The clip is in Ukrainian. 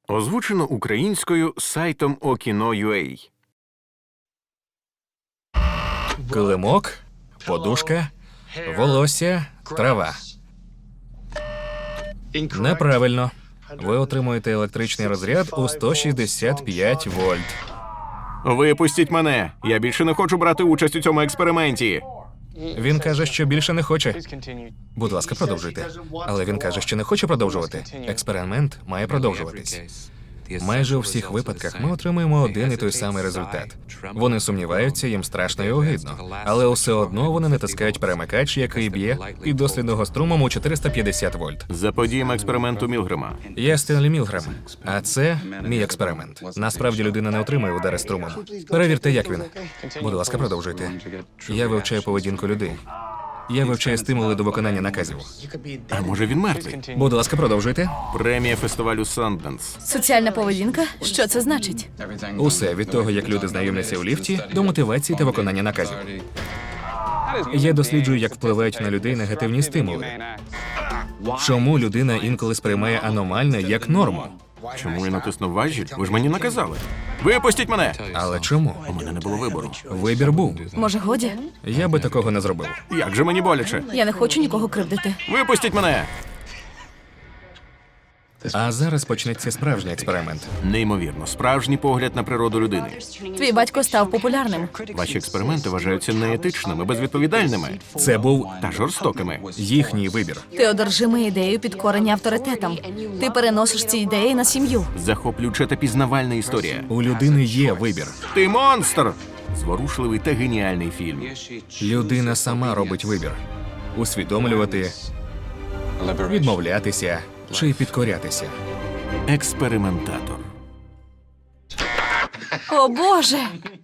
Озвучено українською сайтом Okino.ua. Килимок, подушка, волосся, трава. Неправильно. Ви отримуєте електричний розряд у 165 вольт. Випустіть мене! Я більше не хочу брати участь у цьому експерименті. Він каже, що більше не хоче. Будь ласка, продовжуйте. Але він каже, що не хоче продовжувати. Експеримент має продовжуватись. Майже у всіх випадках ми отримуємо один і той самий результат. Вони сумніваються, їм страшно і огидно. Але все одно вони натискають перемикач, який б'є піддослідного струмом у 450 вольт. Заподіємо експерименту Мілгрема. Я Стенлі Мілгрем, а це мій експеримент. Насправді людина не отримує удари струмом. Перевірте, як він. Будь ласка, продовжуйте. Я вивчаю поведінку людей. Я вивчаю стимули до виконання наказів. А може він мертвий? Будь ласка, продовжуйте. Премія фестивалю Санденс. Соціальна поведінка? Що це значить? Усе від того, як люди знайомляться у ліфті, до мотивації та виконання наказів. Я досліджую, як впливають на людей негативні стимули. Чому людина інколи сприймає аномальне як норму? Чому я натиснув важіль? Ви ж мені наказали. Випустіть мене! Але чому? У мене не було вибору. Вибір був. Може, годі? Я би такого не зробив. Як же мені боляче? Я не хочу нікого кривдити. Випустіть мене! А зараз почнеться справжній експеримент. Неймовірно, справжній погляд на природу людини. Твій батько став популярним. Ваші експерименти вважаються неетичними, безвідповідальними Це був та жорстокими. їхній вибір. Ти одержимий ідеєю підкорення авторитетам. Ти переносиш ці ідеї на сім'ю. Захоплююча та пізнавальна історія. У людини є вибір. Ти монстр! Зворушливий та геніальний фільм. Людина сама робить вибір. Усвідомлювати, відмовлятися чи підкорятися. Експериментатор. О, Боже!